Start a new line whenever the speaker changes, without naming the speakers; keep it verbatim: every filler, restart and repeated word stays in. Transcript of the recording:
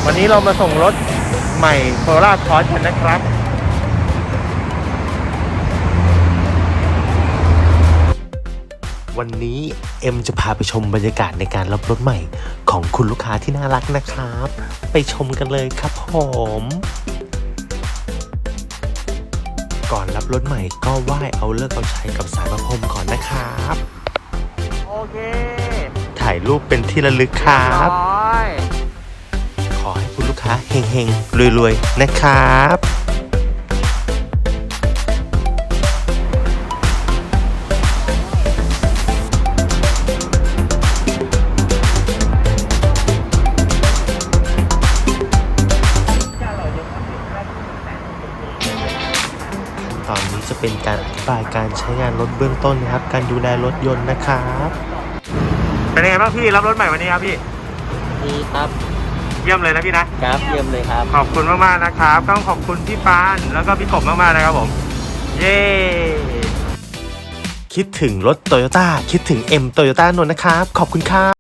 วันนี้เรามาส่งรถใหม่โคโรล่าคอร์สกันนะครับวันนี้เอ็มจะพาไปชมบรรยากาศในการรับรถใหม่ของคุณลูกค้าที่น่ารักนะครับไปชมกันเลยครับผมก่อนรับรถใหม่ก็ไหว้เอาเลิกเอาใช้กับสารพระพรหมก่อนนะครับโอเคถ่ายรูปเป็นที่ระลึกครับขอให้คุณลูกค้าเฮงๆรวยๆนะครับตอนนี้จะเป็นการอธิบายการใช้งานรถเบื้องต้นนะครับการดูแลรถยนต์นะครับเป็นยังไงบ้างพี่รับรถใหม่วันนี้ครับพี่
ดีครับ
เยี่ยมเลยนะพี่นะครับ
เยี่ยมเลยครับ
ขอบคุณมากๆนะครับต้องขอบคุณพี่ปานแล้วก็พี่กบมากๆนะครับผมเย้คิดถึงรถโตโยต้าคิดถึง เอ็ม โตโยต้านนท์นะครับขอบคุณครับ